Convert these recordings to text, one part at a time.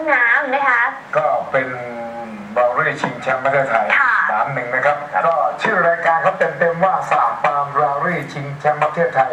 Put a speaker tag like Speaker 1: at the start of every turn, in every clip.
Speaker 1: น้ำนะคะ
Speaker 2: ก็เป็นบาเร่ชิงแชมป์ประเทศไทย3-1นะครับก็ชื่อรายการเขาเต็มๆว่าสหปามบาเร่ชิงแชมป์ประเทศไทย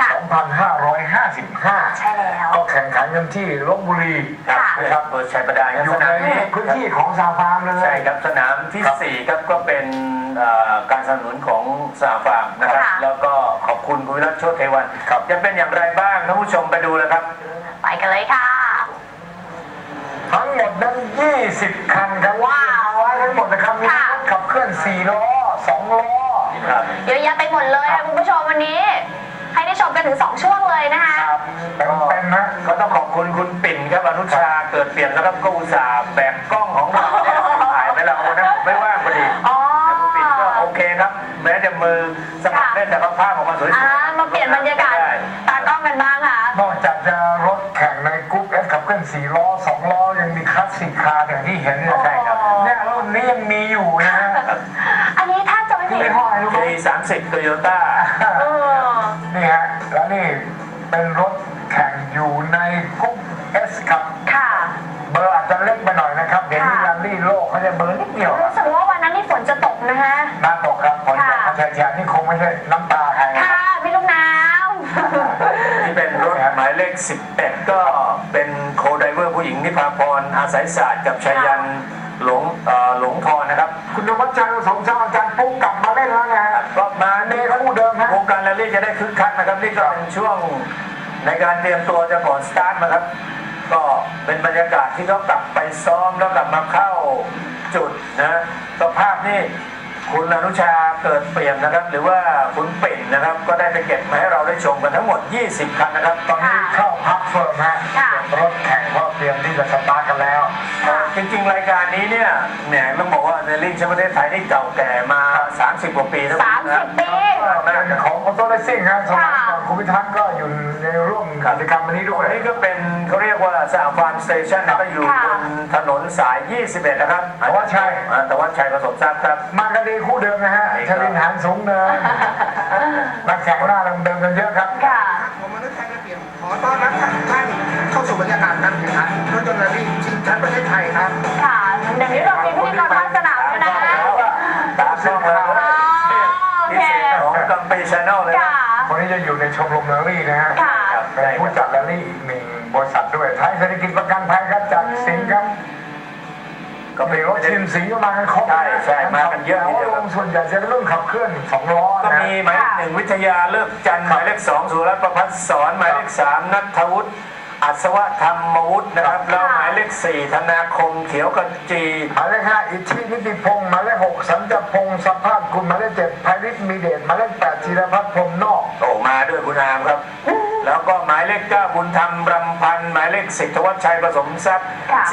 Speaker 2: 2555
Speaker 1: ใช่แล้ว
Speaker 2: ก็แข่งขันกันที่ลพบุรี
Speaker 3: นะครับเปิดชัยประดา
Speaker 2: อยู่ในพื้นที่ของสหปามเลย
Speaker 3: ใช่ครับสนามที่4ครับก็เป็นการสนับสนุนของสหปามนะครับแล้วก็ขอบคุณคุณวิรัตโชติเทวันจะเป็นอย่างไรบ้างท่านผู้ชมไปดูเลยครับ
Speaker 1: ไปกันเลยค่ะ
Speaker 2: ทั้งหมดนั้น20 คันครับว้าวทั้งหมดนะครับมีรถขับเคลื่อน4 ล้อ 2 ล้อ
Speaker 1: เยอะแยะไปหมดเลยคุณผู้ชมวันนี้ให้ได้ชมกันถึง2ช่วงเลยนะคะ
Speaker 2: เป็นนะ
Speaker 3: ก็ต้องขอบคุณคุณปิ่นครับอนุชาเกิดเปลี่ยนแล้วก็อุตส่าห์แบกกล้องของเราถ่ายไปแล้วนะไม่ว่างพอดีคุณปิ่นก็โอเคครับแม้จะมือสมัครเล่นแต่ภาพออกมาสวย
Speaker 1: ๆมาเปลี่ยนบรรยากาศตากล้องกันบ้างค่ะ
Speaker 2: นอกจากจะรถแข่งในกรุ๊ปเอสขับเคลื่อน4 ล้อ 2 ล้อยังมีคลาสสิกคาร์อย่างที่เห็นเนี่ย
Speaker 3: ใช่ครับ
Speaker 2: เนี่ยรุ่นนี้ยังมีอยู่นะฮะ
Speaker 1: อันนี้ถ้าจะไม่ผิด
Speaker 3: 30 โตโยต้า
Speaker 2: นี่ฮะแล้วนี่เป็นรถแข่งอยู่ในกรุ๊ปเอสครับเบอร์อาจจะเล็กไปหน่อยนะครับเดี๋ยวนี้รันลี่โลกเขาจะเบอร์นิดเดียว
Speaker 1: รู้สึกว่าวันนั้นนี่ฝนจะตกนะฮะ
Speaker 2: น้ำตกครับฝนตกแฉะนี่คงไม่ใช่น้ำตาใคร
Speaker 1: ค่ะพี่ลูกน้ำ
Speaker 3: นี่เป็นรถหมายเลข11ก็เป็นโคไดเวอร์ผู้หญิงนิพาพรอาศัยศาสตร์กับชัยยันหลงทรนะครับ
Speaker 2: คุณนวัชชัยสมชาติอาจารย์ปุ๊กกลับมาเล่นแล้วไง
Speaker 3: ก็มา
Speaker 2: ในคู่เดิมฮะ
Speaker 3: วงการแรลลี่จะได้คึกคักนะครับนี่ก็เป็นช่วงในการเตรียมตัวจะก่อนสตาร์ทนะครับก็เป็นบรรยากาศที่เขากลับไปซ้อมแล้วกลับมาเข้าจุดนะสภาพนี่คุณอนุชาเกิดเปลี่ยนนะครับหรือว่าคุณปิ่นนะครับก็ได้ไปเก็บมาให้เราได้ชมกันทั้งหมด20 คันนะครับ
Speaker 2: ตอนนี้เข้าพักเฟิร์มฮะรถแข่งก็เตรียมที่จะสตาร์ทกันแล้ว
Speaker 3: จริงๆรายการนี้เนี่ยต้องบอกว่าในลิงแชมป์ประเทศไทยนี่เก่าแก่มา30 กว่าปีแล้ว
Speaker 1: 30 ปี
Speaker 2: เป็นของออโต้เลสซิ่งฮะสมัยก่อนคุณพิทักษ์ก็อยู่ในร่วมกิจกรรมวันนี้ด้วย
Speaker 3: นี่ก็เป็นเขาเรียกว่าสหฟาร์มสเตชันก็อยู่บนถนนสาย21นะครับ
Speaker 2: แต่ว่าชั
Speaker 3: ยผสมทรัพย์ครับ
Speaker 2: มากันดีคู่เดิมนะฮะชลินหานสูงเนินนักแข่งหน้าเดิมกันเยอะครับ
Speaker 4: ผมมนุษย์ไทยระเบียบขอต้อนรับท่านเข้าสู่บรรยากาศการแข่งขันรถยนต์แรลลี่ชิงแชมป์ประเทศไทยครับ
Speaker 1: ค่ะเดี๋ยวนี้เรามีพิธีกรภาคสนามด้วยนะ
Speaker 3: ตาช่องแล้วพิเศษของกัมปีชาแนลเลย
Speaker 2: คนนี้จะอยู่ในชมรมแรลลี่นะฮะเป็นผู้จัดแรลลี่อีก1 บริษัทด้วยไทยเศรษฐกิจประกันภัยครับจากสิงห์ครับก็มีรถทีมสีก็มากันครบ
Speaker 3: ใช่มากันเยอะทีเดียว
Speaker 2: ส่วนใหญ่จะเรื่องขับเคลื่อน2 ล้อ
Speaker 3: ก็มีหมายเลข1วิทยาเลิกจันทร์หมายเลข2สุรัตน์ประภัสสรหมายเลข3นัทวุฒิอัศวธรรมวุฒินะครับแล้วหมายเลข4ธนาคมเขียวกจี
Speaker 2: หมายเลข5อิทธินิติพงศ์หมายเลข6สัญจพงศ์สภาพคุณหมายเลข7ไพริศมีเดชหมายเลข8ธีรพัฒน์พรมนอก
Speaker 3: โอ้มาด้วยคุณอามครับแล้วก็หมายเลข9บุญธรรมรำพันธ์หมายเลข10ธวัชชัยผสมทรัพย์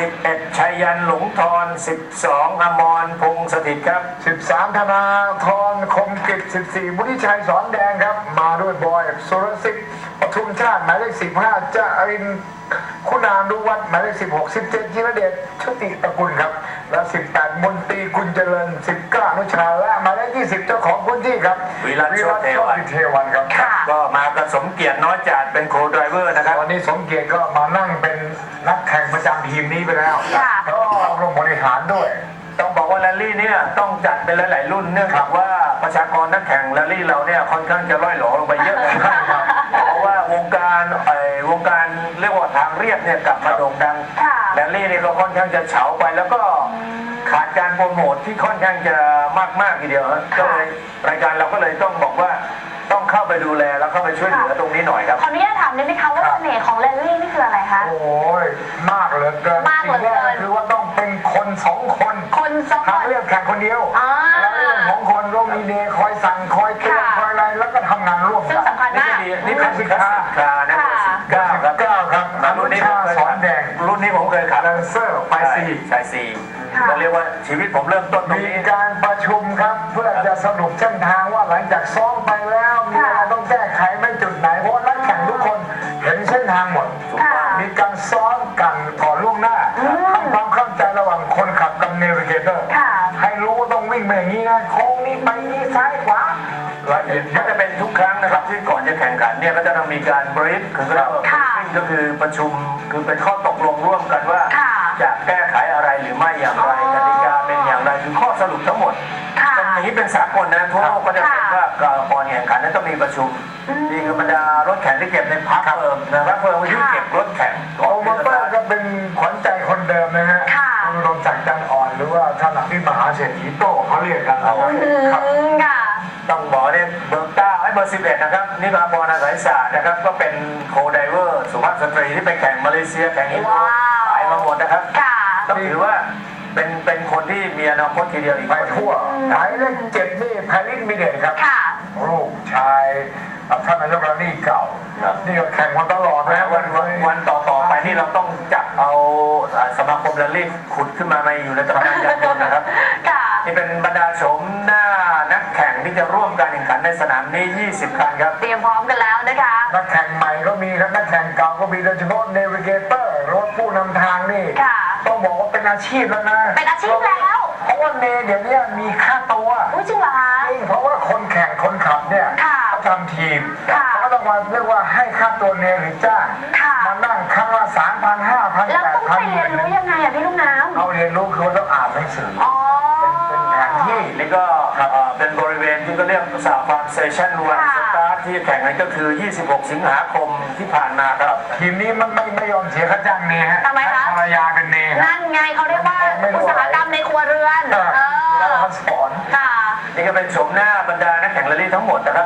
Speaker 3: 11ชัยยันหลงทร12อมรพงษ์สถิตครับ
Speaker 2: 13ธนาธรคมกิจ14บุฒิชัยสอนแดงครับมาด้วยบอยสุรสิทธิ์ปทุมชาติหมายเลข15จารินคุณานุวัฒน์หมายเลข16 17จิรเดชชุติตระกูลครับและ18มนตรีกุลเจริญ19อนุชาและหมายเลข20เจ้าของพื้นที่ครับ
Speaker 3: วิรัตโชติ
Speaker 2: เทวันครับ
Speaker 3: ก็มากับสมเกียรติน้อยจัดเป็นโคไดรเวอร์นะครับ
Speaker 2: วันนี้สมเกียรติก็มานั่งเป็นนักแข่งประจำทีมนี้ไปแล้วก็รวมบริหารด้วย
Speaker 3: ต้องบอกว่าแรลลี่เนี่ยต้องจัดเป็นหลายๆรุ่นเนื่องจากว่าประชากรนักแข่งแรลลี่เราเนี่ยค่อนข้างจะล่อยหลอลงไปเยอะนะครับเพราะว่าวงการเรียกว่าทางเรียบเนี่ยกลับมาโด่งดังแรลลี่นี่ก็ค่อนข้างจะเฉาไปแล้วก็ขาดการโปรโมทที่ค่อนข้างจะมากทีเดียวก็เลยรายการเราก็เลยต้องบอกว่าต้องเข้าไปดูแลแล้วเข้าไปช่วยเหลือตรงนี้หน่อยครับ
Speaker 1: ขออนุญาตถามได้ไหมคะว่าเสน่ห์ของแรลลี่นี่คืออะไรคะ
Speaker 2: โอ้ยมากเหลือเกินสิ่งแรกคือว่าต้องเป็นคน2 คนทางเรียบแข่งคนเดียวแล้วเรื่องของคนต้องมีเดย์คอยสั่งคอยเตือนคอยอะไรแล้วก็ทำงานร่วมกัน
Speaker 3: นี่เป็นสินค้านะ
Speaker 2: 9ครับรุ่นนี้สอนแดง
Speaker 3: รุ่นนี้ผมเคยขับ
Speaker 2: แลนเซอร์ไป
Speaker 3: ซีก็เรียกว่าชีวิตผมเริ่มต้นตรง
Speaker 2: นี้
Speaker 3: มี
Speaker 2: การประชุมครับเพื่อจะสรุปเส้นทางว่าหลังจากซ้อมไปแล้วมีอะไรต้องแก้ไขไม่จุดไหนเพราะนักแข่งทุกคนเห็นเส้นทางหมดมีการซ้อมกันก่อนล่วงหน้าทำความเข้าใจระหว่างคนขับกับเนวิเกเตอร์ให้รู้ว่าต้องวิ่งไปอย่างนี้นะโค้งนี้ไปนี้ซ้ายขวา
Speaker 3: ละเอียดก็จะเป็นทุกครั้งนะครับที่ก่อนจะแข่งขันเนี่ยก็จะต้องมีการบรีฟคือก็คือประชุมคือเป็นข้อตกลงร่วมกันว่าจะแก้ไขอะไรหรือไม่อย่างไรกติกาเป็นอย่างไรคือข้อสรุปทั้งหมด
Speaker 1: ค่ะ
Speaker 3: เป็นอย่างนี้เป็นสากลนะทั่วโลกก็จะเป็นว่าก่อนแข่งขันนั้นต้องมีประชุมนี่คือบรรดารถแข่งที่เก็บในพักเฟิร์มนะครับเฟิร์มที่เก็บรถแข่ง
Speaker 2: โอมาเตอร์ก็เป็นขวัญใจคนเดิมนะฮะ
Speaker 1: ค่ะ
Speaker 2: คุณรงศักดิ์จันทร์อ่อนหรือว่าท่านหลังที่มหาเศรษฐีโต้เขาเรียกกันนะครับ ครับ
Speaker 1: ค่ะ
Speaker 3: ต้องบอกเนี่ยเบอร์เก้าให้เบอร์11นะครับนี่ก็อภรอาศัยศาสตร์นะครับก็เป็นโคไดเวอร์สุภาพสตรีที่ไปแข่งมาเลเซียแข่งอินโด
Speaker 1: ว้าว
Speaker 3: ไปมาหมดนะครับ
Speaker 1: ค่ะ
Speaker 3: ต้องถือว่าเป็นคนที่มีอนาคตทีเดียวอีก
Speaker 2: ไปทั่วหมายเลข7นี่ไพลินมิเดตครับ
Speaker 1: ค่ะ
Speaker 2: ลูกชายท่านนายกรัฐมนตรีเก่า นี่ก็แข่งมาตลอดนะ
Speaker 3: วันต่อไปนี่เราต้องจับเอาสมาคมแรลลี่ขุดขึ้นมาในอยู่ในตำนานยานยนต์นะครับ
Speaker 1: ค่ะ
Speaker 3: นี่เป็นบรรดาโฉมหน้านักแข่งที่จะร่วมการแข่งขันในสนามนี้ 20 คันครับ
Speaker 1: เตรียมพร้อมกันแล้วนะคะ
Speaker 2: นักแข่งใหม่ก็มีครับนักแข่งเก่าก็มีโดยเฉพาะเนวิเกเตอร์รถผู้นำทางนี่
Speaker 1: ค่ะ
Speaker 2: ต้องบอกว่าเป็นอาชีพแล้วนะ
Speaker 1: เป็นอาชีพแล้ว
Speaker 2: เพราะว่าเนเดี๋ยวนี้มีค่าตัว
Speaker 1: อุ้ยจริงเหรอคะ
Speaker 2: จริงเพราะว่าคนแข่งคนขับเนี่ย
Speaker 1: ค่ะ
Speaker 2: เขาทำทีม
Speaker 1: ค่ะ
Speaker 2: เขาก็ต้องมาเรียกว่าให้ค่าตัวเนหรือจ้าง
Speaker 1: ค่ะ
Speaker 2: มานั่งครั้งละ3,000 5,000
Speaker 1: แล้วต้องไป
Speaker 2: 8,000
Speaker 1: เรียนรู้ยังไงอะพี่ลูกน้ำ
Speaker 2: เอาเรียนรู้คือต้องอ่านหนังสือ
Speaker 1: อ๋อ
Speaker 2: เป็นแผนที่
Speaker 3: นี่ก็เป็นบริเวณที่ก็เรียกสหพันธ์เซชันวัน
Speaker 1: ค่ะ
Speaker 3: สตาร์ทที่แข่งกันก็คือ 26 สิงหาคมที่ผ่านมาครับ
Speaker 2: ทีมนี้มันไม่ยอมเสียค่าจ้างเนฮะ
Speaker 1: ทำไมคะ
Speaker 2: ภรรยาเป็นเนฮะ
Speaker 1: นั่นไงเขาเรียกว่าอุตสาหกรรมในครัวเรือน
Speaker 2: แล้วเขาสอน
Speaker 1: ค่ะ
Speaker 3: นี่ก็เป็นโฉมหน้าบรรดานักแข่งแรลลี่ทั้งหมดนะครับ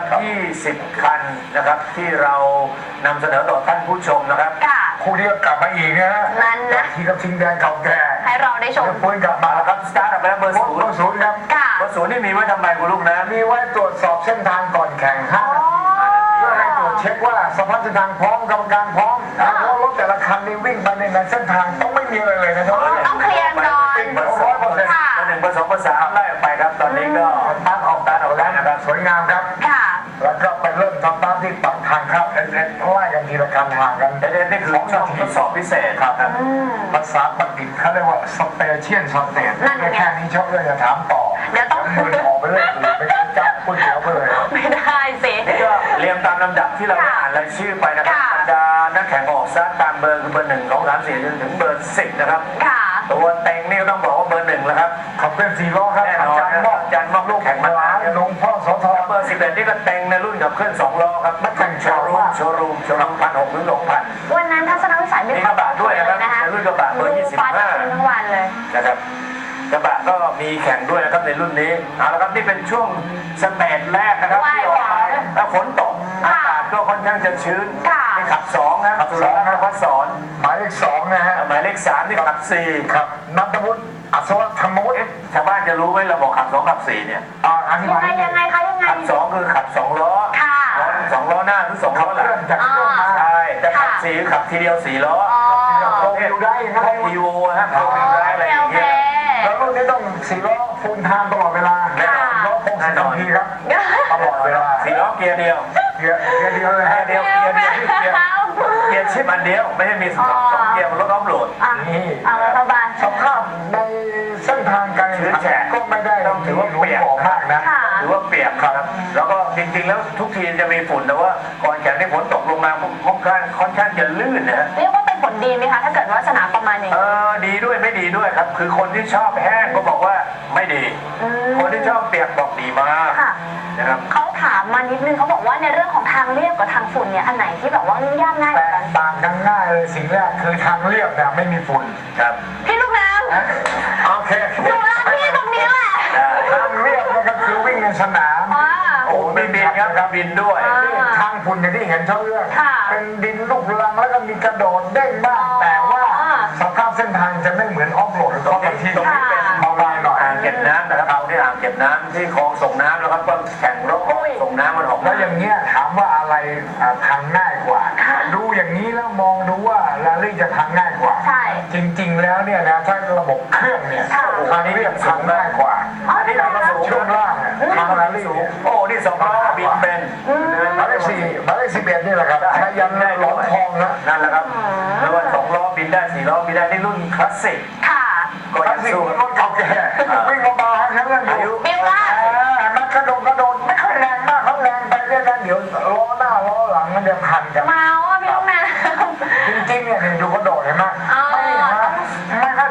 Speaker 3: 20 คันนะครับที่เรานำเสนอต่อท่านผู้ชมนะครับ
Speaker 1: ค่ะ
Speaker 2: คู่นี้ก็กลับมาอีกนะฮะ
Speaker 1: นั่นนะ
Speaker 2: ทีกับชิงแดงเก่าแก่
Speaker 1: ให้เราได้ชม
Speaker 2: แล้วฟื้นกลับมา
Speaker 3: มาแล้วครับสตาร์ทออกไปแล้วเบอร์
Speaker 2: โค้
Speaker 3: ศู
Speaker 2: ช
Speaker 3: นย์
Speaker 2: ศูนย์ครับ
Speaker 1: ค่ะ
Speaker 3: เบอร์ศูนย์นี่มีไว้ทำไมคุณลูกนะ
Speaker 2: มีไว้ตรวจสอบเส้นทางก่อนแข่ง
Speaker 1: อ๋อ
Speaker 2: 5 นาทีเพื่อให้ตรวจเช็คว่าสภาพเส้นทางพร้อมกรรมการพร้อมแล้วรถแต่ละคันนี่วิ่งไปในเส้นทางต้องไม่มีอะไรเลยนะครับ
Speaker 1: ต้องเคลียร์ก่อน
Speaker 2: เบอร์100%
Speaker 1: ค่ะ
Speaker 3: เบอร์หนึ่งเบอร์สองเบอร์สามไล่ออกไปครับ ตอนนี้ก็
Speaker 2: ตั้งออกแล้วนะครับสวยงามครับ
Speaker 1: ค่ะ
Speaker 2: แล้วก็ไปเริ่มทำตามที่ปักทางครับเอ็นไล่กันทีละคันห่างกัน
Speaker 3: เอ็นนี่คือช่วงทดสอบพิเศษครับ
Speaker 2: ภาษาปักกิ่งเขาเรียกว่าสเปเชียลสเตท
Speaker 1: นั่นไง
Speaker 2: แค่นี้ชอบเลยจะถามต่อ
Speaker 1: เดี๋ยวต้อง
Speaker 2: มือออกไปเลยหรือไปจับก๋วยเตี๋ยวไปเลย
Speaker 1: ไม่ได้สิ
Speaker 3: นี่ก็เรียงตามลำดับที่เราได้อ่านรายชื่อไปนะครับ
Speaker 1: ค่ะ
Speaker 3: บรรดานักแข่งออกสตาร์ทตามเบอร์คือเบอร์ 1 2 3 4จนถึงเบอร์ 10 นะครับ
Speaker 1: ค่ะ
Speaker 3: ตัวเต็งนี่ต้องบอกว่าเบอร์ 1 แล้วครับ
Speaker 2: ขับเคลื่อน4 ล้อครับ
Speaker 3: แน่นอน
Speaker 2: อาจารย์มอกลูกแข่งมาล้านหลวงพ่อโสธร
Speaker 3: เบอร์ 11 นี่ก็เต็งในรุ่นขับเคลื่อน2 ล้อครับนักแข่งโชว์รูม1,600 ถึง 2,000
Speaker 1: วันนั้นทัศนวิสัยไม่
Speaker 3: มีกระบะด้วยนะครับ
Speaker 1: นะคะ
Speaker 3: ในรุ่นกระบะเบอร์
Speaker 1: ฟ้าจะคืนทั้งวันเลย
Speaker 3: นะครับกระบะก็มีแข่งด้วยนะครับในรุ่นนี้เอาละครับนี่เป็นช่วงสเตจแรกนะครับ
Speaker 1: ว้าย
Speaker 3: ที่ออกไปแล้วฝนตกอากาศก็ค่อนข้างจะชื้น
Speaker 1: ค่ะ
Speaker 3: นี่ขับ2นะครับสุรนันท์พัฒสอน
Speaker 2: หมายเลข2นะฮะ
Speaker 3: หมายเลข3นี่ขับ4
Speaker 2: ครับนัทวุฒิอัศวธรรมวุฒิ
Speaker 3: ชาวบ้านจะรู้ไหมเราบอกขับ2ขับ4เนี่ย
Speaker 2: อธิ
Speaker 1: ยั
Speaker 2: บาง ย
Speaker 1: ไงยังไงคะยังไง
Speaker 3: ขับ2คือขับ2 ล้อ
Speaker 1: ค่ะ
Speaker 3: สองล้อหน้าหรือ2
Speaker 2: ขั
Speaker 3: ล้
Speaker 2: บ
Speaker 3: อ
Speaker 2: เค
Speaker 3: หลั
Speaker 2: ลื่อง นจากเครื่องมา
Speaker 3: ใช่แต่ขับ
Speaker 1: ค่ะ
Speaker 3: 4คือขับทีเดียว4 ล้อ
Speaker 1: อ๋อ
Speaker 2: โอ้อยู่ได้อย่างนั้น
Speaker 3: พวกอีโวฮะพวกวิวไรอะไรอย่าง
Speaker 1: โอเค
Speaker 3: เงี้ย
Speaker 2: แล้วรุ่นนี้ต้อง4 ล้อฟูลไทม์ตลอดเวลา
Speaker 1: ค่ะ
Speaker 2: ล้อ60 นาทีครับตลอดเวลา
Speaker 3: 4 ล้อเกียร์เดียว
Speaker 2: เกียร์เดียวเลยฮะ
Speaker 3: เกียร์เกียร์ชิปอันเดียวไม่ใช่มี2 เกียร์บนรถออฟโหลด
Speaker 1: อ่ะเอาละสบาย
Speaker 2: สภาพในเส้นทางการแข่งขันก็ไม่ได้
Speaker 3: ต้องถือว่า
Speaker 2: หลว
Speaker 3: เปียก
Speaker 2: มบอกมากนะ
Speaker 1: ค่ะ
Speaker 3: ถือว่าเปียกครับ แล้วก็จริงๆแล้วทุกทีมจะมีฝุ่นแต่ว่าก่อนแข่งที่ฝนตกลงมาค่อนข้างจะลื่นนะฮะ
Speaker 1: เรียกว่าเป็นผลดีไหมคะ ถ้าเกิดว่าสนามประมาณอย่างนี้
Speaker 3: ดีด้วยไม่ดีด้วยครับ คือคนที่ชอบแห้งก็บอกว่าไม่ดี คนที่ชอบเปียกบอกดีมาก
Speaker 1: ค่ะ
Speaker 3: นะครับ
Speaker 1: เขาถามมานิดนึงเขาบอกว่าในเรื่องของทางเรียบกับทางฝุ่นเนี่ยอันไหนที่แบบว่ายุ่งยากง่ายก
Speaker 2: แต
Speaker 1: ว่ากัน
Speaker 2: กต่างกันง่ายเลยสิ่งแรกคือทางเรียบเนี่ยไม่มีฝุ่น
Speaker 3: ครับ
Speaker 1: พี่ลูกน้ำ
Speaker 2: โอเค
Speaker 1: หนูรักพี่ตรงนี้แหละ
Speaker 2: ทางเรียบเนี่ยก็คือวิ่งในสนาม
Speaker 1: อ่า
Speaker 3: โอ้มีบินครับบินด้วย
Speaker 2: นี่ทางฝุ่นอย่างที่เห็นเท่าเรื่อง
Speaker 1: ค่ะ
Speaker 2: เป็นดินลูกรังแล้วก็มีกระโดดเด้งบ้าง
Speaker 1: อ๋อ
Speaker 2: แต่ว่าสภาพเส้นทางจะไม่เหมือนออฟโรดหรือ
Speaker 3: ตร
Speaker 2: อง อฟ
Speaker 3: นี้
Speaker 2: ที่
Speaker 3: ตรงนี้เป็น
Speaker 2: เบาบางหน่อย
Speaker 3: อ่างเก็บน้ำนะครับเอาที่อ่างเก็บน้ำที่คลองส่งน้ำแล้วครับก็แข่งรถส่งน้ำมันออก
Speaker 2: แล้วอย่างเงี้ยถามว่าอะไรทางง่ายกว่า ดูอย่างนี้แล้วมองดูว่าแรลลี่จะทางง่ายกว่า
Speaker 1: ใช่
Speaker 2: จริงๆแล้วเนี่ยนะถ้าระบบเครื่องเนี่ย
Speaker 1: ค่ะ
Speaker 2: ทางเรียบทางง่ายกว่า
Speaker 1: อ๋อ
Speaker 3: อันนี้เราก็สูง
Speaker 2: ช่วงล่างเนี่ยทางแรลลี่เนี่ย
Speaker 3: โอ้นี่2 ล้อบินเป็น
Speaker 2: หมายเลข4หมายเลข11นี่แหละครับใช้ยันหลอมทองนะ
Speaker 3: นั่นแหละครับแล้วว่า2 ล้อบินได้4 ล้อบินได้นี่รุ่นคลาสสิก
Speaker 1: ค่ะ
Speaker 3: ก็
Speaker 2: คลา
Speaker 3: ยั
Speaker 2: ส
Speaker 3: ง
Speaker 2: สิก
Speaker 3: สู้
Speaker 2: รถเก่าแก่วิ่งเบาๆให้ทั้งเรื่องอยู่
Speaker 1: บิวล่า
Speaker 2: มันกระโดดไม่ค่อยแรงมากเขาแรงไปเรื่อยๆเดี๋ยวล้อหน้าล้อหลังมันเดี๋ยวพันกัน
Speaker 1: เมาอ่ะพี่ลูกน้
Speaker 2: จริงๆเนี่ยดูกระโดดเห็นไหม
Speaker 1: อ๋อ
Speaker 2: ไม่ค่อย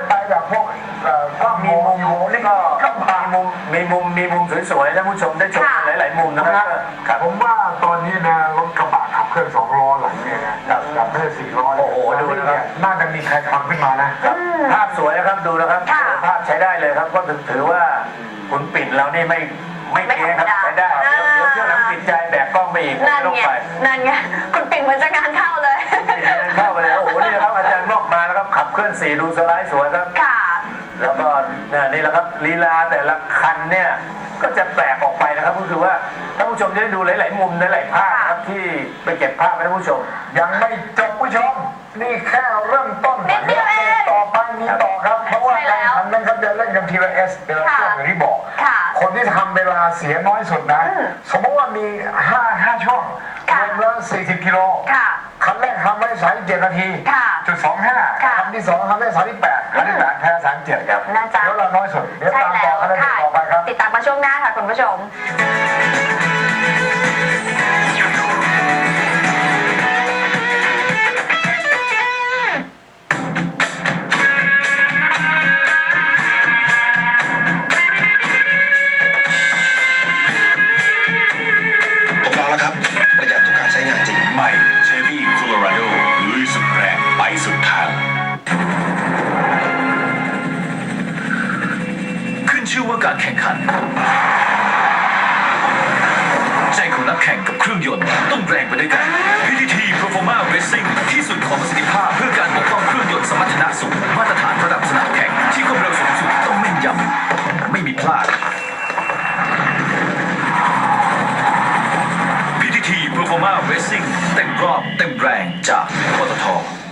Speaker 3: มีมุมสวยๆท่านผู้ชมได้ชมกันหลายๆมุมนะครับครับ
Speaker 2: ผมว่าตอนนี้นะรถกระบะขับเคลื่อน2 ล้อหลังเนี่ยนะกับไม่ใช่4 ล้อ
Speaker 3: โอ้โหดูนะครับ
Speaker 2: น่าจะมีใครทำขึ้นมานะ
Speaker 3: ภาพสวยนะครับดูนะครับ
Speaker 1: ค่ะ
Speaker 3: ภาพใช้ได้เลยครับก็ถือว่าคุณปิ่นเรานี่ไม่เก๊ครับใช้ได้เดี๋ยวเที่ยวหลังติดใจแบกกล้องไปอีก
Speaker 1: นั่น
Speaker 3: ต้อง
Speaker 1: ไง
Speaker 3: ไป
Speaker 1: นั่นไงคุณปิ่งเหมือนจะงานเข้าเลย
Speaker 3: เข้าไปเลยโอ้โหนี่นะครับอาจารย์นอกมาแล้วครับขับเคลื่อน4ดูสไลด์สวยครับ
Speaker 1: ค่ะ
Speaker 3: แล้วก็นี่แหละครับลีลาแต่ละคันเนี่ยก็จะแปลกออกไปนะครับก็คือว่าท่านผู้ชมจะได้ดูหลายๆมุมหลายๆภาพนะครับที่ไปเก็บภาพให้ท่านผู้ชม
Speaker 2: ยังไม่จบผู้ชม นี่แค่เริ่มต้น
Speaker 1: นิดเดียวเอง
Speaker 2: ต่อไปมีต่อครับ เพราะว่า
Speaker 1: ใช่แล้
Speaker 2: การ
Speaker 1: ว
Speaker 2: ขันนั้นเขาจะเล่นกันทีละเดือนละช่วงอย่างที่บอก
Speaker 1: ค่ะ
Speaker 2: คนที่ทำเวลาเสียน้อยสุดนะ สมมติว่ามี5ช่วงร
Speaker 1: ค่ะ
Speaker 2: วมแล้ว40 กิโล
Speaker 1: ค่ะ
Speaker 2: คันแรกทำได้37 นาที
Speaker 1: ค่ะ
Speaker 2: จุด25
Speaker 1: ค่ะ
Speaker 2: คันที่2ทำได้38คันที่8แพ้37ครับ
Speaker 1: นะจ๊ะ
Speaker 2: เดี๋ยวเราน้อยสุดเดี๋ยว
Speaker 1: ใช่
Speaker 2: ตาม
Speaker 1: แล้
Speaker 2: ต่อ
Speaker 1: ว
Speaker 2: คัน
Speaker 1: ค่ะ
Speaker 2: ต่อไปครับ
Speaker 1: ติดตามมาช่วงหน้าค่ะคุณผู้ชม
Speaker 5: ผมลองแล้วครับ ประหยัดทุกการใช้งานจริง
Speaker 6: ใหม่เชฟวี่โคโลราโดลุยสุดแรงไปสุดทาง ขึ้นชื่อว่าการแข่งขัน ใจของนักแข่งกับเครื่องยนต์ต้องแรงไปด้วยกัน PTT Performa Racing ที่สุดของประสิทธิภาพเพื่อการปกป้องเครื่องยนต์สมรรถนะสูงมาตรฐานระดับสนามแข่งที่ความเร็วสูงสุดต้องแม่นยำไม่มีพลาด PTT Performa Racing เต็มรอบเต็มแรงจากปตท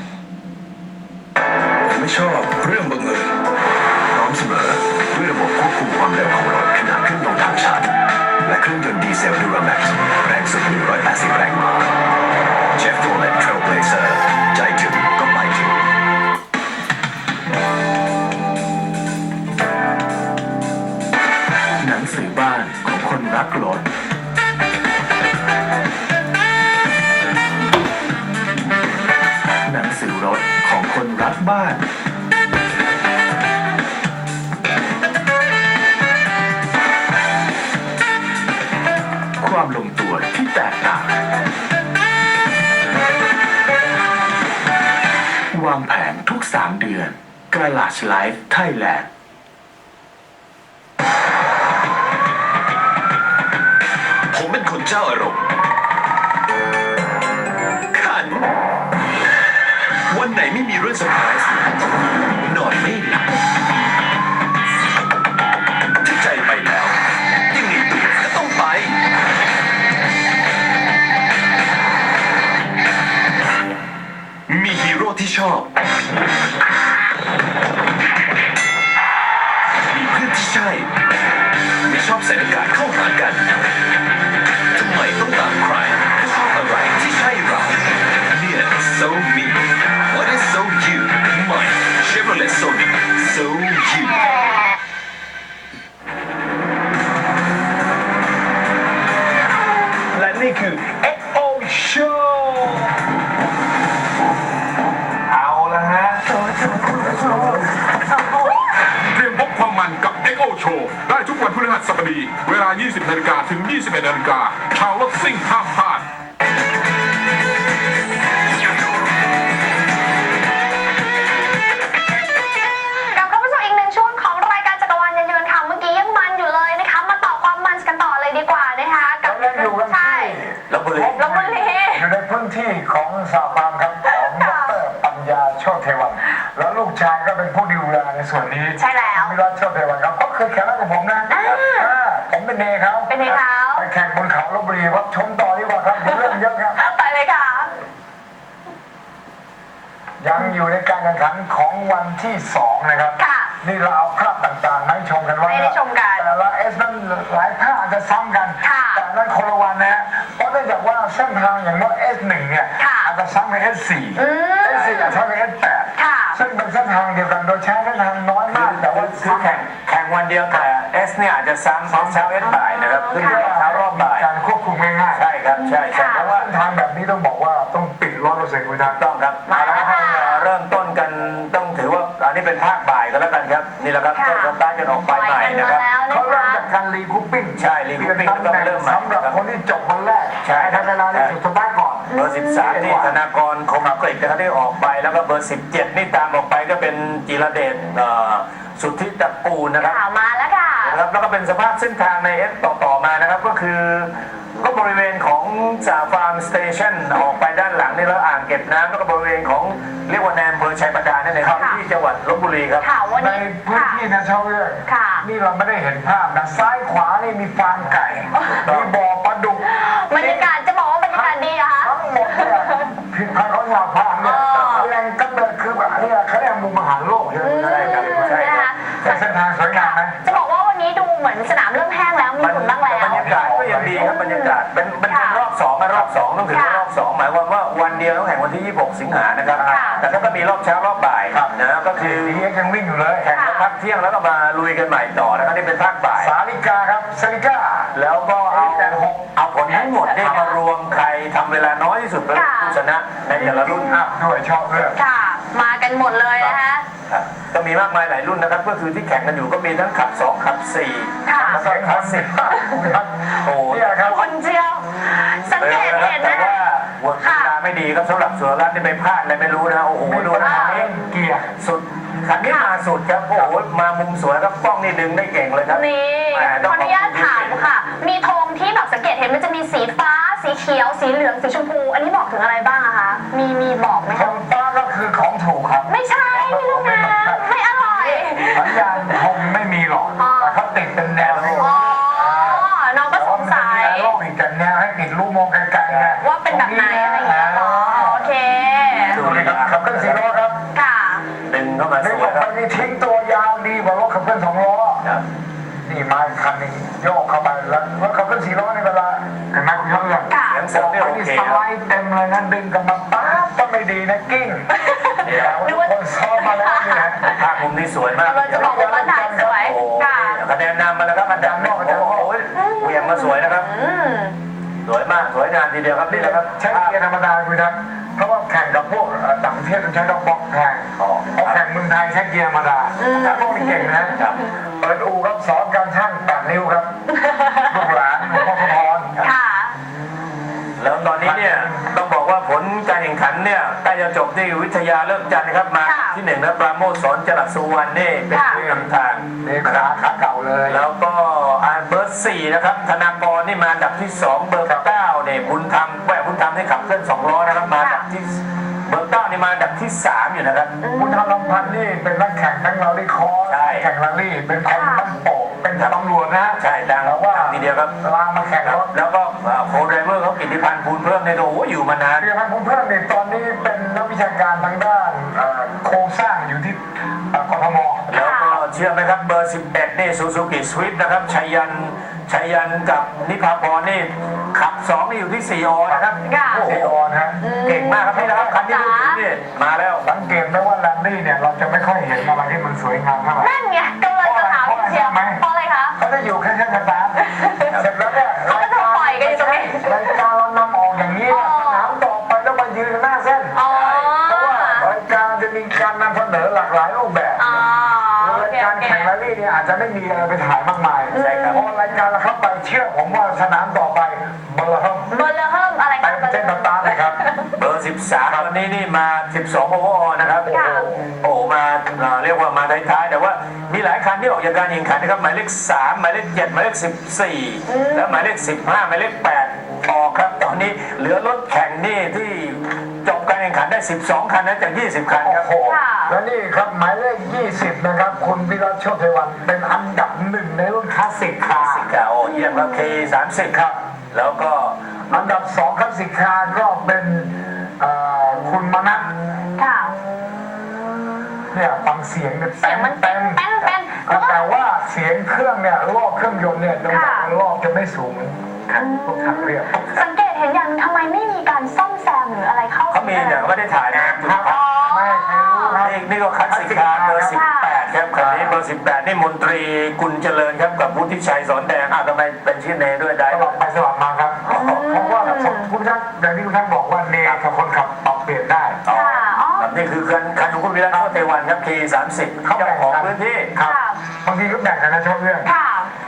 Speaker 5: ผมไม่ชอบเรื่องบังเอิญพร้อมเสมอด้วยระบบควบคุมความเร็วของรถขณะขึ้นลงทางชันและเครื่องยนต์ดีเซล Duramax แรงสุด180 แรงม้า Chevrolet Trailblazer ใจถึงก็ไปถึง
Speaker 6: หนังสือบ้านของคนรักรถ หนังสือรถของคนรักบ้าน ความลงตัวที่แตกต่าง วางแผนทุก 3 เดือน Garage Life Thailand
Speaker 5: ผมเป็นคนเจ้าอารมณ์ขัน วันไหนไม่มีเรื่องเซอร์ไพรส์นอนไม่หลับถ้าใจไปแล้วยังไงตัวก็ต้องไป มีฮีโร่ที่ชอบ มีเพื่อนที่ใช่ ไม่ชอบใส่หน้ากากเข้าหากัน ทำไมต้องตามใครก็ชอบอะไรที่ใช่เราเนี่ย so me what is so you ใหม่ Chevrolet Sonic so you
Speaker 3: และนี่คือ XO Show เอาละฮะ
Speaker 7: เตรียมพบความมันกับ XO Show ได้ทุกวันพฤหัสบดี เวลา 20 นาฬิกาถึง 21 นาฬิกาชาวรถซิ่งห้ามพลาด
Speaker 1: กลับเข้ามาสู่อีกหนึ่งช่วงของรายการจักรวาลยานยนต์ค่ะเมื่อกี้ยังมันอยู่เลยนะคะ มาต่อความมันกันต่อเลยดีกว่านะคะกับ
Speaker 2: เรายังอยู่กัน
Speaker 1: ใช่
Speaker 2: ที่
Speaker 3: ลพบุรี
Speaker 1: ลพบุรี
Speaker 2: อยู่ในพื้นที่ของสาบานครับของดรปัญญาโชติเทวัน แล้วลูกชายก็เป็นผู้ดูแลในส่วนนี้
Speaker 1: ใช่แล้ว
Speaker 2: วิรัตโชติเทวันครับก็เคยแข่งกับผมนะผมเป็นเนเขา
Speaker 1: เป็นเนเขา
Speaker 2: ไปแข่งบนเขาลพบุรีครับชมต่อดีกว่าครับเรื่องเยอะครับ
Speaker 1: ไปเลยค่ะ
Speaker 2: ยังอยู่ในการแข่งขันของวันที่ 2 นะครับ
Speaker 1: ค่ะ
Speaker 2: นี่เราเอาภาพต่างๆมาให้ชมกันว่า
Speaker 1: ให้ได้ชมกัน
Speaker 2: แต่ละเอสนั้นหลายภาพอาจจะซ้ำกัน
Speaker 1: ค่ะ
Speaker 2: แต่นั้นคนละวันนะฮะเพราะเนื่องจากว่าเส้นทางอย่างว่า S1 เนี่ย
Speaker 1: ค่ะ
Speaker 2: อาจจะซ้ำกับ S4 S4 อาจจะซ้ำกับ S8
Speaker 1: ค่ะ
Speaker 2: ซึ่งเป็นเส้นทางเดียวกันโดยใช้เส้นทางน้อยมากแต่ว่า
Speaker 3: คือแข่งวันเดียวแต่ S เนี่ยอาจจะซ้ำเช้า S บ่ายนะครับขึ้นเช้ารอบบ่าย
Speaker 2: การควบคุมง่ายๆ
Speaker 3: ใช่ครับใช่
Speaker 2: เพราะว่าเส้นทางแบบนี้ต้องบอกว่าต้องปิด 100%คุณทัก
Speaker 3: ต้องครับเอาละครับเริ่มต้นกันต้องถือว่าอันนี้เป็นภาคบ่ายกันแล้วกันครับนี่แหละครับ
Speaker 1: ค่ะ
Speaker 3: ก็สตาร์ทกันออกไปใหม่นะครับ
Speaker 1: ปล่อยกันมาแล้ว
Speaker 2: เขา
Speaker 1: นะ
Speaker 2: เริ่ม
Speaker 1: คะ
Speaker 2: จากการรีคูปปิ้ง
Speaker 3: ใช่รีคูปปิ้ง
Speaker 2: ตำแหน่ง
Speaker 3: เริ่มใหม่
Speaker 2: สำหรับคนที่จบวันแรก
Speaker 3: ใช่
Speaker 2: ทำเวลาในสุดท้ายก่อน
Speaker 3: เบอร์ 13 นี่ธนากรคมกฤษนะครับที่ออกไปแล้วก็เบอร์ 17 นี่ตามออกไปก็เป็นจิรเดชสุทธิตระกูลนะครับ
Speaker 1: ข่าวมาแล้วค่ะ
Speaker 3: นะครับแล้วก็เป็นสภาพเส้นทางในเอสต่อมานะครับก็คือก็บริเวณของจ่าฟาร์มสเตชันออกไปด้านหลังนี่แล้วอ่างเก็บน้ำแล้วก็บริเวณของเรียกว่าแนมอำเภอชัยบาดาลนั่นเองครับ
Speaker 1: ค่ะ
Speaker 3: ที่จังหวัดลบบุรีครับ
Speaker 1: ข่าววัน
Speaker 2: ใน
Speaker 1: นี้
Speaker 2: พื้น
Speaker 1: ค่ะ
Speaker 2: ที่นะชาวเรื่อง
Speaker 1: ค่ะ
Speaker 2: นี่เราไม่ได้เห็นภาพนะซ้ายขวานี่มีฟาร์มไก่มีบ่อปลาดุก
Speaker 1: บรรยากาศจะบอกว่าบรรยากาศดีเหรอคะ
Speaker 2: ทั้งหมดเนี่ยผิดพลาดเขาอยากพามเนี่ย
Speaker 1: อ๋อ
Speaker 2: แหล่งกำเนิดคือแบบนี้เขาเรียกมุมอาหารโลกใช่ไหม
Speaker 3: ใช่ครับใช่ครับ
Speaker 2: แต่เส้นทางสวยงามไหม
Speaker 1: จะบอกว่าวันนี้ดูเหมือนสนามเริ่มแห้งแล้วมีฝุ่นบ้างแล้ว
Speaker 3: บรรยากาศก็ยังดีครับบรรยากาศเป็น
Speaker 1: ค่ะ
Speaker 3: รอบ2นะรอบ2ต้องถือว่า
Speaker 1: ค่ะ
Speaker 3: รอบ2หมายความว่าวันเดียวต้องแข่งวันที่ 26 สิงหานะครับ
Speaker 1: ค่ะ
Speaker 3: แต่ก็มีรอบเช้ารอบบ่ายนะก็คือ
Speaker 2: ดียังวิ่งอยู่เลย
Speaker 3: แข่งแล้วพักเที่ยงแล้วก็มาลุยกันใหม่ต่อนะครับนี่เป็นภาคบ่าย
Speaker 2: สาลิกาครับสาลิกา
Speaker 3: แล้วก็เอา
Speaker 2: แต่หก
Speaker 3: เอาผลทั้งหมดเนี่ยมารวมใครทำเวลาน้อยที่สุดเป็นผู้ชนะในแต่ละรุ่น
Speaker 2: อัพด้วยชอบเรื่อง
Speaker 1: ค่ะ มากันหมดเลยนะคะ
Speaker 3: ครับก็มีมากมายหลายรุ่นนะครับก็คือที่แข่งกันอยู่ก็มีทั้งขับ 2 ขับ 4
Speaker 1: ค่ะ
Speaker 3: แล้วก็คลาสสิก โอ้โห
Speaker 2: เนี่ยครับ
Speaker 1: คนเจียว สังเกตเห็น
Speaker 3: แต่
Speaker 1: นะ
Speaker 3: ว่าหัวเวลาไม่ดีครับสำหรับสุรรัตน์ที่ไปพลาดอะไรไม่รู้นะโอ้โหดูนะคันนี้
Speaker 2: เกียร์
Speaker 3: สุดคันนี้มาสุดครับโอ้โหมามุมสวยครับกล้องนี่ดึงได้เก่งเลยครับ
Speaker 1: นี่
Speaker 3: แหม
Speaker 1: ขออนุญาตถามค่ะ มีธงที่แบบสังเกตเห็นมันจะมีสีฟ้า สีเขียว สีเหลือง สีชมพู อันนี้บอกถึงอะไรบ้างอะคะ มีบอกไหม
Speaker 2: ข
Speaker 1: คะ
Speaker 2: องป้าก็คือของถูกครับ
Speaker 1: ไม่ใช่พี่ลูกน้ำไม่อร่อย
Speaker 2: สัญญาณคงไม่มีหรอก
Speaker 1: อ๋อ
Speaker 2: แต่เขาติดเป็นแนว
Speaker 1: อ๋อ น้องก็สงสัย
Speaker 2: โลกอีกแต่แนวให้ติดลูกมองไกลๆไง
Speaker 1: ว่าเป็นแบบไหนอะไรอย่างเงี้ยเหรอโอเค
Speaker 3: ดู
Speaker 2: ดู
Speaker 3: เล
Speaker 2: เลย ย
Speaker 3: ค
Speaker 2: ค
Speaker 3: รั
Speaker 2: รั
Speaker 3: บบ
Speaker 2: ขับเคลื่อนสี่ล้อครับ
Speaker 1: ค่ะ
Speaker 3: ดึงเข้ามา
Speaker 2: ใน
Speaker 3: ส
Speaker 2: บ
Speaker 3: ว
Speaker 2: อย ก
Speaker 3: ครั
Speaker 2: มั
Speaker 3: บ
Speaker 2: นมีทิ้งตัวยาวดีกว่ารถขับเคลื่อนสองล้อ
Speaker 3: ครับ
Speaker 2: นี่มาอีกคันหนึงโยกเข้าไปแล้วรถขับเคลื่อนสี่ล้อในเวลาเห็นไหมคุณยศเรื่อง
Speaker 1: ค่ะ
Speaker 3: เสียงเสริมเนี่ยโอ
Speaker 2: นี่
Speaker 3: เค
Speaker 2: ส
Speaker 3: ค
Speaker 2: ไล
Speaker 3: รับ
Speaker 2: ด์เต็มเลยนะดึงกลับมาป๊าบก็ไม่ดีนะกิ้งเดี๋ยวทุกคนซ้อมมาแล้วนี่นะ
Speaker 3: ภาพมุมนี้สวยมาก
Speaker 1: เราจะบอกว่าบ้านถ่ายสวย
Speaker 3: โอ้โห
Speaker 1: ค่ะ
Speaker 3: คะแนนนำมาแล้วครับอันดับนอกโอ้โหเหวี่ยงมาสวยนะครับ
Speaker 1: อืม
Speaker 3: สวยมากสวยงามทีเดียวครับนี่แหละครับ
Speaker 2: ใช้เกียร์ธรรมดาคุณครับเพราะว่าแข่งกับพวกต่างประเทศต้องใช้ดอกบล็อกแข่งเพราะแข่งเมืองไทยใช้เกียร์ธรรมดาถ้าพวกนี้เก่งนะครับ เปิดอู่ครับสอนการช่าง8 นิ้วครับลูกหลานหลวงพ่อพระพร
Speaker 1: ค่ะ
Speaker 3: แล้วตอนนี้เนี่ยต้องบอกว่าผลการแข่งขันเนี่ยใกล้จะจบที่วิทยาเลิกจันทร์นะครับมา
Speaker 1: ค่ะ
Speaker 3: ที่1นะปราโมชสอนจรัสสุวรรณนี่เป็น
Speaker 1: ค่ะ
Speaker 3: ผู้นำทาง
Speaker 2: นี่ขาเก่าเลย
Speaker 3: แล้วก็เบอร์4นะครับธนากรนี่มาอันดับที่ 2 เบอร์9เนี่ยบุญธรรมแหวบุญธรรมที่ขับเคลื่อน2ล้อนะครับมาอันดับที่เบอร์9นี่มาอันดับที่ 3 อยู่นะครับ
Speaker 2: คุณธรรมลำพันธ์นี่เป็นนักแข่งทั้งเราได้คอร์
Speaker 3: ใช่
Speaker 2: แข่งแรลลี่เป็นคนบ้านโป่งเป็นตำรวจนะ
Speaker 3: ใช่ดัง
Speaker 2: แต่ว่า
Speaker 3: ทีเดียวครับ
Speaker 2: ลางมาแข่งรถ
Speaker 3: แล้วก็โค้ชไดรเวอร์เขากิตติพันธ์ภูลเพิ่มในยโอ้โหอยู่มานาน
Speaker 2: เรียนพันธ์ผมเพิ่มเนี่ยตอนนี้เป็นนักวิชาการทางด้านโครงสร้างอยู่ที่กทม
Speaker 3: แล้วก็เชื่อไหมครับเบอร์ 11 นี่ซูซูกิสวิฟนะครับชัยยันกับนิพาพรนี่ขับ 2 นี่อยู่ที่4อนะครับ
Speaker 1: ค่ะ
Speaker 3: โอ้โห
Speaker 2: ซีออนฮะ
Speaker 3: เก่งมากครับนี่นะครับคันที่พูดถึงนี่มาแล้ว
Speaker 2: สังเกตไหมว่าแรลลี่เนี่ยเราจะไม่ค่อยเห็นอะไรที่มันสวยงามเท่าไหร่
Speaker 1: นั่นไงกำลังจะถามพี่เชียวเพราะอะไรคะ
Speaker 2: เขาจะอยู่แค่สตาร์ทเสร็จแล้วเนี่ย
Speaker 1: เขาก็จะปล่อยกันอยู่ตรงนี้
Speaker 2: รายการเรานำออกอย่างนี้เนี่ยสนามต่อไปแล้วมายืนหน้าเส้น
Speaker 1: อ๋อ
Speaker 2: เพราะว่ารายการจะมีการนำเสนอหลากหลายรูปแบบ
Speaker 1: อ๋อโอ
Speaker 2: ราย
Speaker 1: เค
Speaker 2: การ
Speaker 1: โอเค
Speaker 2: แข่งแรลลี่เนี่ยอาจจะไม่มีอะไรไปถ่ายมากมาย
Speaker 3: ใช่ครับ
Speaker 2: พอรายการเราเข้าไปเชื่อผมว่าสนามต่อไปเบอร์เริ่ม
Speaker 1: เบอร์เลอร์เฮิมอะไร
Speaker 2: เต็
Speaker 1: คะ
Speaker 2: มเส้นสตาร์ทเลยครับ
Speaker 3: เบอร์ 13 วันนี้นี่มา 12 โอเวอร์ออนะครับ
Speaker 1: ค่ะ
Speaker 3: โอ้โหมาเรียกว่ามาท้ายๆแต่ว่ามีหลายคันที่ออกจากการแข่งขันนะครับหมายเลข 3 หมายเลข 7 หมายเลข 14 และหมายเลข 15 หมายเลข 8 ออกครับ ตอนนี้เหลือรถแข่งนี่ที่จบการแข่งขันได้ 12 คันนะจาก 20 คันครับ
Speaker 2: โอ้โหและนี่ครับหมายเลข 20 นะครับ คุณวิรัชโชติเทวันเป็นอันดับหนึ่งในรุ่นคลาสสิกคาร์
Speaker 3: สิกาโอเยี่ยมครับ K30 ครับ แล้วก็
Speaker 2: อันดับ2คลาสสิกคาร์ก็เป็นคุณมนัส
Speaker 1: ค่ะ
Speaker 2: เนี่ยฟังเสียงเนี่ย
Speaker 1: เสียงมัน
Speaker 2: เต็ม
Speaker 1: แป้นแป้นแล้วก็
Speaker 2: แต่ว่าเสียงเครื่องเนี่ยรอบเครื่องยนต์เนี่ยจังหวะ
Speaker 1: ค่ะ
Speaker 2: รอบจะไม่สูงแข่งพวกทางเรียบ
Speaker 1: สังเกตเห็นอย่างทำไมไม่มีการซ่อมแซมหรืออะไรเข้า
Speaker 3: เขามีแต่เขาไม่ได้ถ่ายนะครับ
Speaker 1: อ๋อ
Speaker 2: ไม่ใครรู้ครับ
Speaker 3: นี่ก็คลาสสิกคาร์เบอร์ 18 ครับคันนี้เบอร์ 18 นี่มนตรีกุลเจริญครับกับวุฒิชัยสอนแดงทำไมเป็นชื่อเนด้วยได้
Speaker 2: สลับไปสลับมาครับเพราะว่าคุณท่านอย่างที่คุณท่านบอกว่าเนกับคนขับปรับเปลี่ยนได้
Speaker 3: อ๋อ
Speaker 1: ค่ะอ๋อ
Speaker 3: ครับนี่คือคันของคุณวิรัตโชติเทวันครับ K30
Speaker 2: เขา
Speaker 3: เจ้า
Speaker 2: แบ่ง
Speaker 3: ของ
Speaker 2: กัน
Speaker 3: พื้นที่
Speaker 2: ครับ
Speaker 1: ค่ะ
Speaker 2: บางทีก็แบ่งกันนะชอบเรื่อง
Speaker 1: ค่ะ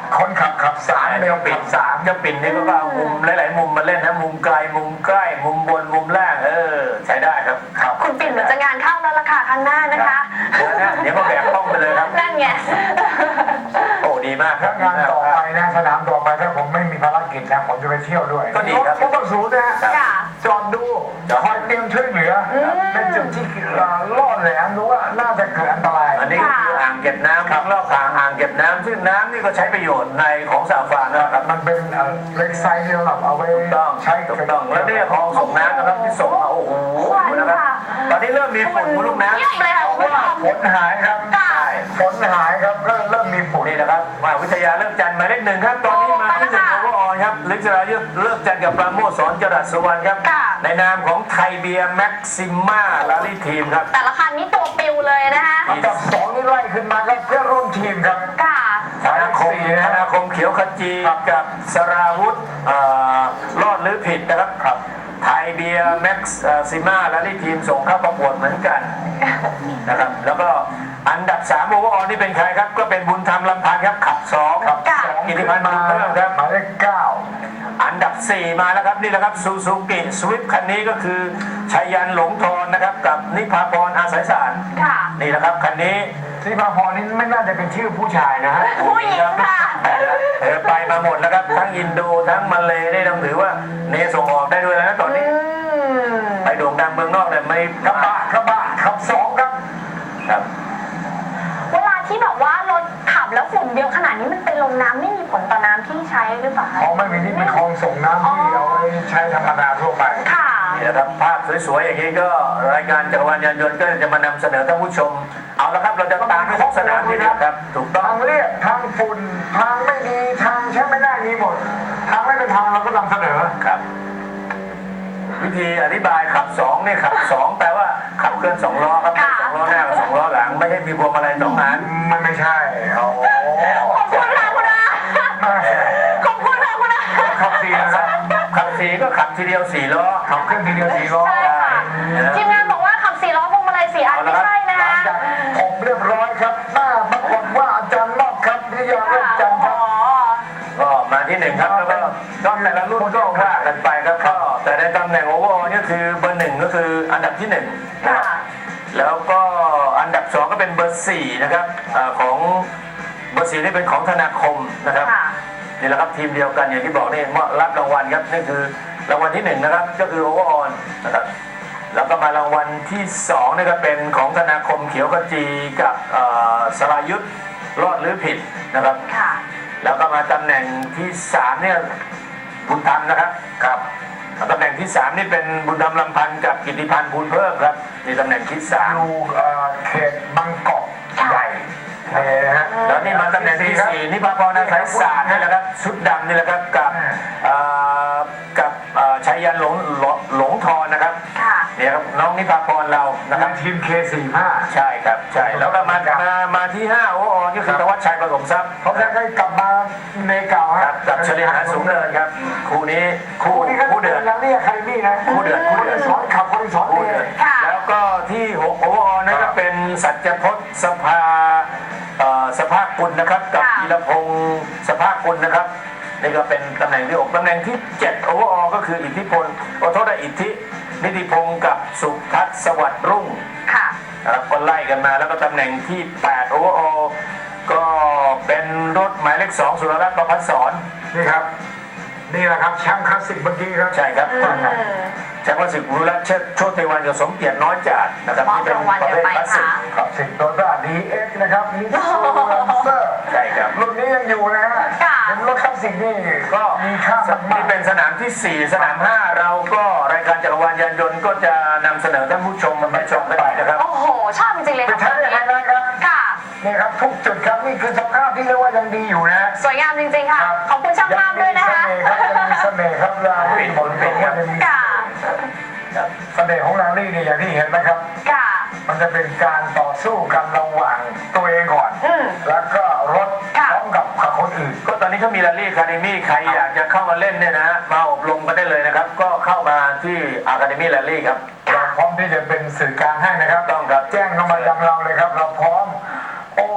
Speaker 2: คนขับสาม
Speaker 3: เดียวปิดสามเจ้าปิ่นนี่ก็เอามุมหลายๆมุมมาเล่นนะมุมไกลมุมใกล้มุมบนมุมล่างใช้ได้ครับครับ
Speaker 1: คุณปิ่นเหมือนจะงานเข้าแล้วล่ะค่ะข้างหน้านะคะ
Speaker 3: เดี๋ยวก็แบกต้องไปเลยครับ
Speaker 1: นั่นไง
Speaker 3: โอ้ดีมากครั
Speaker 2: ถ้า
Speaker 3: บ
Speaker 2: งานต่อไปนะสนามต่อไปถ้าผมไม่มีภารกิจนะผมจะไปเที่ยวด้วย
Speaker 3: ก็ดีครับ
Speaker 2: รถศูนย์นะฮะ
Speaker 1: ค่ะ
Speaker 2: จอดดูคอยเตรียมช่วยเหลือเป็นจุดที่ล่อแหลมรู้ว่าน่าจะเกิดอันตราย
Speaker 3: อันนี้ก็คืออ่างเก็บน้ำข้างรอบอ่างเก็บน้ำซึ่งน้ำนี่ก็ใช้ประโยชน์ในของสาฟานนะครับ
Speaker 2: มันเป็นเล็กไซส์ที่เราเอาไว้
Speaker 3: ต้อง
Speaker 2: ใช้
Speaker 3: ถูกต้องแล้วเนี่ยคลองส่งน้ำนะครับที่ส่งมาโอ้โหนะครับตอนนี้เริ่มมีฝุ่นบนลูกน้ำ
Speaker 1: เยี่ยมเลยค่ะคุณผู้ชม
Speaker 2: ฝนหายครับ
Speaker 1: ค่ะ
Speaker 2: ฝนหายครับก็เริ่มมีฝุ่น
Speaker 3: นี่นะครับมหาวิทยาเลิกจันทร์หมายเลขหนึ่งครับตอนนี้มาที่หนึ่งโอเวอร์ออลครับลิกรายุทธเลิกจันทร์กับปราโมชสอนจรัสสุวรรณครับ
Speaker 1: ค่ะ
Speaker 3: ในนามของไทยเบียร์แม็กซิม่าลาลีทีมครับ
Speaker 1: แต่ละคันนี้ตัวปิวเลยนะคะ
Speaker 2: อันดับสองนี่ไล่ขึ้นมาครับเพื่อนร่วมทีมครับ
Speaker 1: ค่ะ
Speaker 3: ธนาคมเขียวขจีกับสราวุธรอดหรือผิดนะครับไทยเบียร์แม็กซิม่าและที่ทีมส่งเข้าประกวดเหมือนกันนะครับแล้วก็อันดับ3โอเวอร์ออลนี่เป็นใครครับก็เป็นบุญธรรมลำพันธ์ครับขับ2ครับ
Speaker 1: ค่ะ
Speaker 3: กิติพันธ์บุญเพิ่มครับ
Speaker 2: หมายเลขเก้า
Speaker 3: อันดับ4มาแล้วครับนี่แหละครับซูซูกิสวิฟคันนี้ก็คือชัยยันหลงทอนนะครับกับนิพาพรอาศัยสาร
Speaker 1: ค่ะ
Speaker 3: นี่แหละครับคันนี้
Speaker 2: ที่มาพรนี่ไม่น่าจะเป็นชื่อผู้ชายนะฮะ
Speaker 1: ผู้หญิงค่ะ
Speaker 3: ไปมาหมดแล้วครับทั้งอินโดทั้งมาเลได้ต้องถือว่าเนส่งออกได้ด้วยนะตอนนี้ไปโด่งดังเมืองนอกเลยไม่
Speaker 2: กระบะขับสองครับ
Speaker 3: ครับ
Speaker 1: เวลาที่แบบว่ารถขับแล้วฝุ่นเยอะขนาดนี้มันเป็นลงน้ำไม่มีผลต่อน้ำที่ใช้หรือเปล่าคะ
Speaker 2: อ๋อไม่มีที่เป็นคลองส่งน้ำที่เอาไว้ใช้ธรรมดาทั่วไป
Speaker 1: ค่ะ
Speaker 3: นี่นะครับภาพสวยๆอย่างนี้ก็รายการจักรวาลยานยนต์ก็จะมานำเสนอท่านผู้ชมเอาละครับเราจะตามให้ทุกสนามทีเดียวครับถูกต้อง
Speaker 2: ทางเรียบทางฝุ่นทางไม่ดีทางใช้ไม่ได้มีหมด ทางไม่เป็นทางเราก็นำเสนอ
Speaker 3: ครับ วิธีอธิบายขับ2เนี่ยขับ2แปลว่าขับเคลื่อน2ล้อครับ2ล้อหน้ากับ2ล้อหลังไม่ใช่มีพวงมาลัย2อัน
Speaker 2: มันไม่ใช่โอ้โห
Speaker 1: ขอบคุณค่ะคุณอา
Speaker 2: ไม่ใช่
Speaker 1: ขอบคุณค่ะคุณอา
Speaker 2: ขับสี่นะครับ
Speaker 3: ขับ4ก็ขับทีเดียว4ล้อ
Speaker 2: ขับเครื่องทีเดียวสี่ล้อ
Speaker 1: ใช่ค่ะทีมงานบอกว่าขับ4ล้อพวงมาลัย4อันไม่ใช่นะ
Speaker 2: หลัง
Speaker 1: คะ
Speaker 2: จากผมเรียบร้อยครับหน้าปรากฏว่าอาจารย์นอกครับวิทยาเริ่มจันทร์ครับ
Speaker 3: ก็มาที่1ครับแล้วก็แต่ละรุ่นก็ว่ากันไปครับก็แต่ในตำแหน่งโอเวอร์ออลนี่คือเบอร์1ก็คืออันดับที่1นะครับ
Speaker 1: ค่ะ
Speaker 3: แล้วก็อันดับ2ก็เป็นเบอร์4นะครับของเบอร์4นี่เป็นของธนาคมนะครับ
Speaker 1: ค่ะ
Speaker 3: นี่แหละครับทีมเดียวกันอย่างที่บอกนี่รับรางวัลครับนี่คือรางวัลที่1นะครับก็คือโอเวอร์ออลนะครับแล้วก็มารางวัลที่2นี่ก็เป็นของธนาคมเขียวขจีกับสรายุทธรอดหรือผิดนะครับ
Speaker 1: ค่ะ
Speaker 3: แล้วก็มาตำแหน่งที่3เนี่ยบุญธรรมนะครับครับตำแหน่งที่3นี่เป็นบุญธรรมลำพันธ์กับกิติพันธ์บุญเพิ่มครับนี่ตำแหน่งที่3
Speaker 2: อยู่เขตบางกอกใหญ่นี่นะฮะ
Speaker 3: แล้วนี่มาตำแหน่งที่4นี่พระพรอาศัยศาสตร์นี่แหละครับชุดดำนี่แหละครับกับชัยยันหลงทอนนะครับ
Speaker 1: ค่ะ
Speaker 3: เนี่ยครับน้องนิพาพรเรานะครับ
Speaker 2: ทีม K45
Speaker 3: ใช่ครับใช่แล้วก็มาที่5โอ้นี่คือธวัชชัยประสมทรัพย์
Speaker 2: เขาจะได้กลับมาในเก่า
Speaker 3: ค
Speaker 2: ฮะ
Speaker 3: รับกับเฉลียวหาสูงเนินครับคู่นี้
Speaker 2: คู่นี้ก็
Speaker 3: คู่เดือด
Speaker 2: แล้วนี่ใครนี่นะ
Speaker 3: คู่เดือด
Speaker 2: คนที่สอนขับคนที่สอน
Speaker 3: คู่
Speaker 2: เอ
Speaker 3: เดือด
Speaker 1: ค่ะ
Speaker 3: แล้วก็ที่6โอ้นั่นก็เป็นสัจพจน์สภากุลนะครับกับ
Speaker 1: ค่ะ
Speaker 3: ธีรพงศ์สภากุลนะครับนี่ก็เป็นตำแหน่งที่6ตำแหน่งที่7โอเวอร์ออก็คืออิทธิพลขอโทษนะอิทธินิติพงศ์กับสุทัศน์สวัสดิ์รุ่ง
Speaker 1: ค่ะ
Speaker 3: นะครับก็ไล่กันมาแล้วก็ตำแหน่งที่8โอเวอร์ออก็เป็นรถหมายเลข2สุรรัตน์ประภัสสร
Speaker 2: นี่ครับ นี่แหละครับแชมป์คลาสสิกเมื่อกี้ครับ
Speaker 3: ใช่ครับแชมป์คลาสสิกรุรัตน์โชติวันกับสมเกียรติน้อยจัดนะครับ
Speaker 1: มอบ
Speaker 3: ที่เป็น
Speaker 1: รางวัล
Speaker 3: ประเภท
Speaker 1: กันไป
Speaker 3: คลาสสิก
Speaker 1: ค่ะ
Speaker 2: คลาสสิกโตโยต้า DX นะครับมิตซูเซอร์
Speaker 3: ใช่ครับ
Speaker 2: รุ่นนี้ยังอยู่นะฮะ
Speaker 1: ค่ะ
Speaker 2: เป็นรถคลาสสิกนี่
Speaker 3: ก็
Speaker 2: มีค่ามาก
Speaker 3: นี่เป็นสนามที่ 4 สนาม 5 เราก็รายการจักรวาลยานยนต์ก็จะนำเสนอท่านผู้ชมมาชมกันไปนะครับ
Speaker 1: โอ้โห ชอบจริงๆเลย
Speaker 2: เป็น
Speaker 1: ค่ะ
Speaker 2: ใช้ในไฮไลท์ครับ
Speaker 1: ค่ะ
Speaker 2: นี่ครับทุกจุดครับนี่คือสภาพที่เรียกว่ายังดีอยู่นะ
Speaker 1: สวยงามจริงๆค่ะ ขอบคุณช่างภาพด้วยนะคะ
Speaker 2: ยังมีเสน่ห์ครับลาลี่บนเป็นยังมี
Speaker 1: ค่ะ
Speaker 2: เสน่ห์ของลาลี่นี่อย่างที่เห็นนะครับ
Speaker 1: ค่ะ
Speaker 2: มันจะเป็นการต่อสู้กันระหว่างตัวเองก่อน
Speaker 1: อืม
Speaker 2: แล้วก็รถ
Speaker 1: ค่ะ
Speaker 2: พร้อมกับคนอื่น
Speaker 3: ก็ตอนนี้เขามีแรลลี่คาเดมี่ใครอยากจะเข้ามาเล่นเนี่ยนะฮะมาอบรมกันได้เลยนะครับ ก็เข้ามาที่อะคาเดมี่แรลลี่ครับ
Speaker 2: เราพร้อมที่จะเป็นสื่อกลางให้นะครับ
Speaker 3: ต้องครับ
Speaker 2: แจ้งเข้ามายังเราเลยครับ เราพร้อม โอ้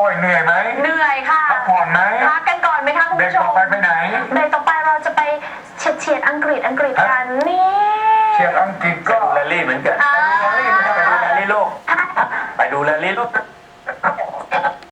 Speaker 2: ยเหนื่อยไหม
Speaker 1: เหนื่อยค่ะ
Speaker 2: พักผ่อนไหม
Speaker 1: พักกันก่อนไหมคะคุณ
Speaker 2: เบรก
Speaker 1: ผู้ช
Speaker 2: ต่อ
Speaker 1: ม
Speaker 2: ไปไหน
Speaker 1: เบรกต่อไปเราจะไปเฉียดอังกฤษกันนี่
Speaker 2: เชียร์อังกฤษก็
Speaker 3: แรลลี่เหมือนกัน
Speaker 1: อ่า
Speaker 3: ไปดูแรลลี่โลกไปดูแรลลี่โลก